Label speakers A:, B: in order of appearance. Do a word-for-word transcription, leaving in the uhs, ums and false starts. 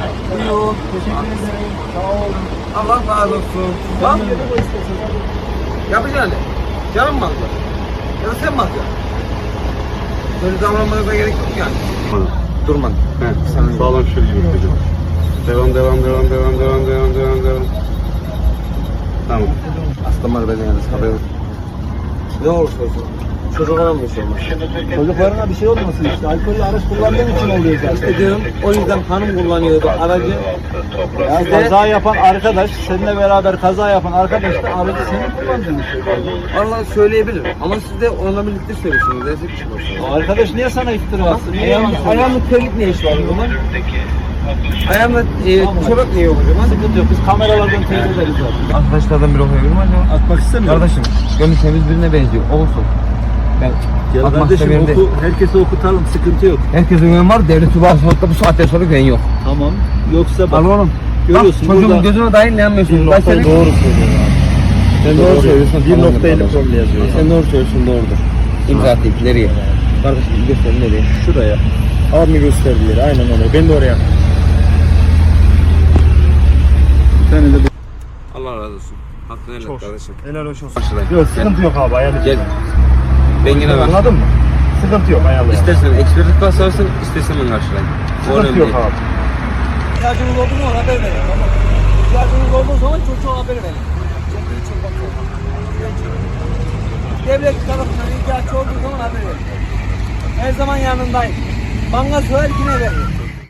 A: Yok, teşekkür ederim. Sağ olun. Allah razı olsun. Bak. Yapacaksın. Canım mı alacaksın? Ya da sen mi alacaksın? Böyle davranmanıza gerek yok yani. Durman.
B: He, sağlam şöyle gibi hocam. Devam, devam, devam, devam, devam, devam, devam, devam. Tamam.
A: Aslan var beni yalnız haber olsun. Ne olursa olsun. Çocuklara mı bir şey olmaz?
C: Çocuklarına bir şey olmasın işte. Alkollü araç kullandığın için oluyor zaten.
A: İşte diyorum o yüzden hanım kullanıyordu aracı.
C: Ya
A: Size-
C: kaza yapan arkadaş, seninle beraber kaza yapan arkadaş da aracı senin kullandığın için.
A: Vallahi söyleyebilirim ama siz de onunla birlikte söylüyorsunuz. Destek bir şey olsun.
C: O arkadaş niye sana iftira atsın? Niye yalan
A: Ayağımda,
C: söylüyor?
A: ayağımda terlik ne iş var o zaman? Ayağımda e, çorap niye yok o zaman?
C: Sıkıntı yok. Biz kameralardan teyit ederiz zaten.
A: Arkadaşlardan biri okuyabilir mi acaba?
C: Atmak istemiyorum.
A: Kardeşim, gönlü temiz birine benziyor. Olsun. Ben
C: Ya
A: atmak
C: kardeşim
A: istemiyorum
C: oku, herkese okutalım. Sıkıntı yok.
A: Herkesin güven var. Devlet subahsızlıkta bu saatten sonra güven yok.
C: Tamam. Yoksa bak.
A: Al oğlum.
C: Görüyorsun
A: Bak, çocuğun
C: burada-
A: gözüne dahi ne anlıyorsun? Ben senin...
C: Doğru söylüyorsun abi.
A: Sen doğru söylüyorsun.
C: Bir
A: tamamdır
C: nokta elli
A: kardeşim.
C: promil yazıyor.
A: Sen doğru söylüyorsun, doğrudur. İmza atayım, nereye? Kardeşim göster nereye?
C: Şuraya. Abi gösterdi yeri. Aynen öyle. Ben de oraya. Sen de
A: Allah razı olsun. Hakkını helal et kardeşim.
C: helal hoş olsun.
A: Karşılayın.
C: Yok sıkıntı yok abi. Ayarlayacağım.
A: Gel. Ben yine var.
C: Anladın mı? Sıkıntı yok. Ayarlayalım.
A: İstersen ekspertlik basarsın, istersen ben karşılayayım. O
C: Sıkıntı
A: önemli
C: yok
A: değil.
C: abi.
D: İhtiyacınız olduğu zaman haber verin. Tamam. İhtiyacınız olduğu zaman çocuğa haber verin. Devlet tarafından ihtiyaç olduğu zaman haber verin. Her zaman yanındayım. Bana söyler yine veririm.